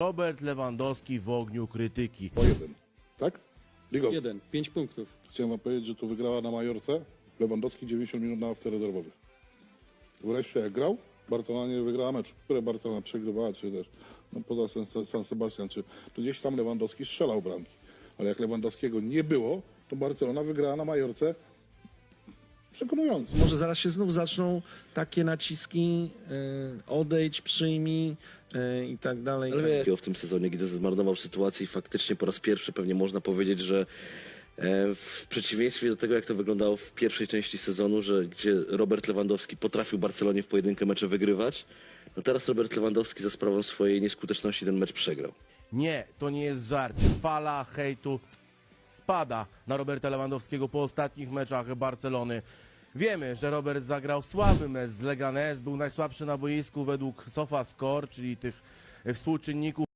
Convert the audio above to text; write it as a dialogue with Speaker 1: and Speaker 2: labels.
Speaker 1: Robert Lewandowski w ogniu krytyki.
Speaker 2: O 1, tak? Ligo,
Speaker 3: 1, 5 punktów.
Speaker 2: chciałem wam powiedzieć, że tu wygrała na Majorce Lewandowski 90 minut na ławce rezerwowych. Wreszcie jak grał, Barcelona nie wygrała meczu, które Barcelona przegrywała, czy też no, poza San Sebastian, czy to gdzieś tam Lewandowski strzelał bramki. Ale jak Lewandowskiego nie było, to Barcelona wygrała na Majorce przekonująco.
Speaker 4: Może zaraz się znów zaczną takie naciski, odejdź, przyjmij i tak dalej.
Speaker 5: Ale w tym sezonie, gdy zmarnował sytuację i faktycznie po raz pierwszy pewnie można powiedzieć, że w przeciwieństwie do tego, jak to wyglądało w pierwszej części sezonu, gdzie Robert Lewandowski potrafił Barcelonie w pojedynkę mecze wygrywać, no teraz Robert Lewandowski za sprawą swojej nieskuteczności ten mecz przegrał.
Speaker 1: Nie, to nie jest żart. Fala hejtu spada na Roberta Lewandowskiego po ostatnich meczach Barcelony. Wiemy, że Robert zagrał słaby mecz z Leganés, był najsłabszy na boisku według SofaScore, czyli tych współczynników.